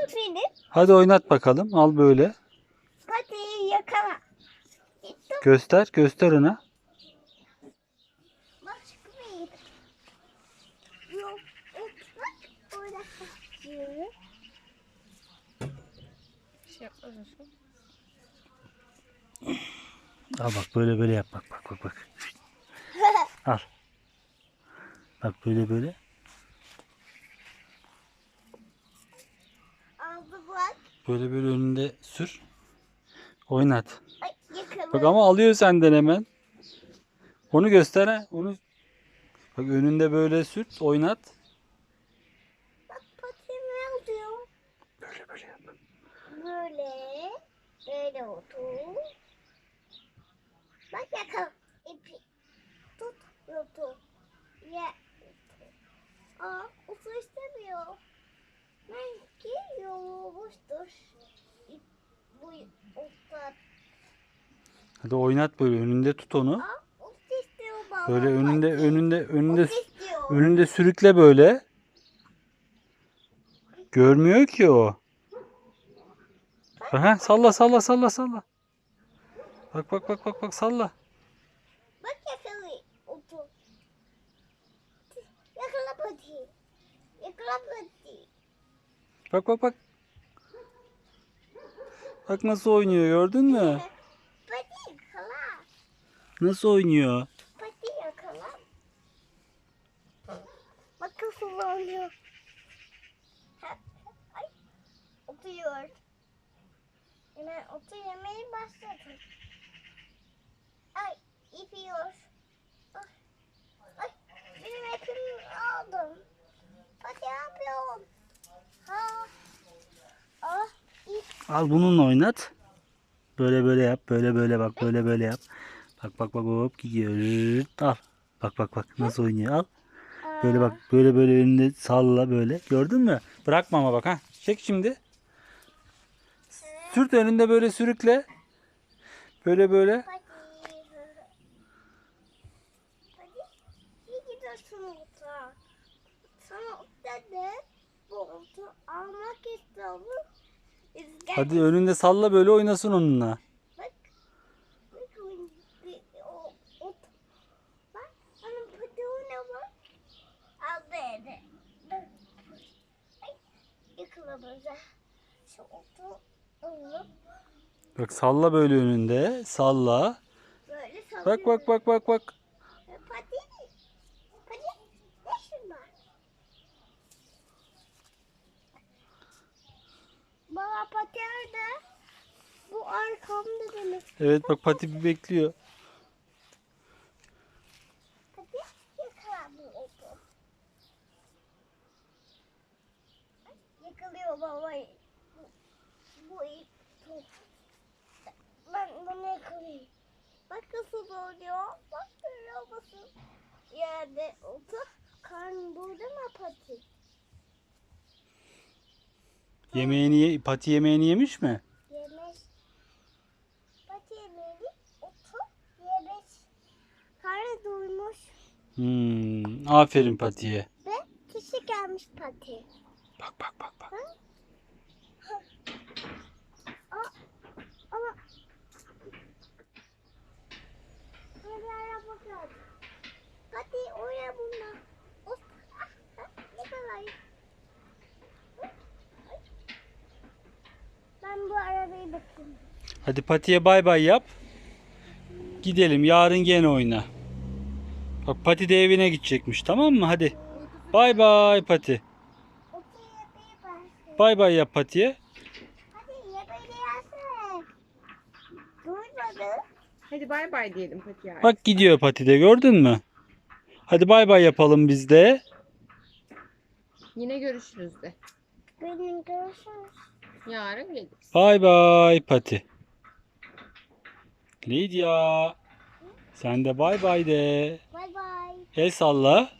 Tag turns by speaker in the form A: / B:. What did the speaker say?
A: benim.
B: Hadi oynat bakalım. Al böyle.
A: Patiyi yakala.
B: Göster ona.
A: Bak çıkmayın. Yok. Bak. Orada kaçıyor. Bir şey yapmaz mısın?
B: Al bak böyle yap. Bak. Al. Bak böyle.
A: Aldı bak.
B: Böyle önünde sür. Oynat.
A: Ay yakala.
B: Bak ama alıyor senden hemen. Onu göster ha. Onu bak önünde böyle sürt, oynat.
A: Bak patimi alıyor.
B: Böyle yap.
A: Böyle. Böyle otur. Bak yakala. İpi. Tut. Tut. Ya. Aa, usul istemiyor. Belki yorulmuştur. Bu usta.
B: Hadi oynat böyle önünde tut onu.
A: Aa, usta istiyor baba.
B: Böyle
A: Usta istiyor.
B: önünde sürükle böyle. Görmüyor ki o. Aha, salla. Bak salla.
A: Bak yakala. Otur. Yakala pati. Yakala pati.
B: Bak. Bak nasıl oynuyor gördün mü?
A: Pati yakala.
B: Nasıl oynuyor?
A: Pati yakala. Bak nasıl oynuyor. Ay. Oturuyor. Hemen otur yemeği başladı. Ay ipiyor. Ay benim ipimi aldım. Hadi yapıyorum. Ha. Ah ip.
B: Al bununla oynat. Böyle yap. Böyle bak. Böyle yap. Bak hop gidiyor. Al. Bak nasıl oynuyor. Al. Böyle bak. Böyle önünde salla böyle. Gördün mü? Bırakma ama bak ha. Çek şimdi. Sürt önünde böyle sürükle. Böyle.
A: Hadi. Hadi. İyi gidiyorsun orta. Sana orta de bu orta almak istiyorum.
B: Hadi önünde salla böyle oynasın onunla.
A: Bak. Bak o ot. Bak. Onun pıtığına bak. Aldı eli. Ay. Yıkılamıza. Şu otu alıp
B: Bak salla böyle önünde. Salla.
A: böyle sallıyorum.
B: Bak.
A: Pati. Pati. Ne şunlar? Baba pati nerede? Bu arkamda demek.
B: Evet bak Pati bir bekliyor.
A: Pati yakala bu otu. Yakalıyor baba. Bu ip tut. Ben bunu yakalayayım. Bak nasıl oluyor. Bak görüyor musun? Yerde otu. Karnı burada mı pati?
B: Pati yemeğini yemiş mi?
A: Yemiş. Pati yemeğini otu yemiş. Karnı doymuş.
B: Aferin Pati'ye.
A: Ve kişi gelmiş pati.
B: Bak.
A: Ama böyle araba geldi. Pati oraya bundan. Yakalayın. Ben bu arabayı bakayım.
B: Hadi Pati'ye bay bay yap. Gidelim yarın gene oyna. Bak Pati de evine gidecekmiş tamam mı? Hadi. Bay bay Pati.
A: Okey yapayım ben.
B: Bay bay yap Pati'ye.
A: Hadi yapayım yazsana. Duymadı.
C: Hadi bay bay diyelim Patiye.
B: Bak gidiyor Pati de gördün mü? Hadi bay bay yapalım biz de.
C: Yine görüşürüz de.
A: Benim görüşürüz.
C: Yarın geliriz.
B: Bay bay Pati. Lidya. Sen de bay bay de.
A: Bay bay.
B: El salla.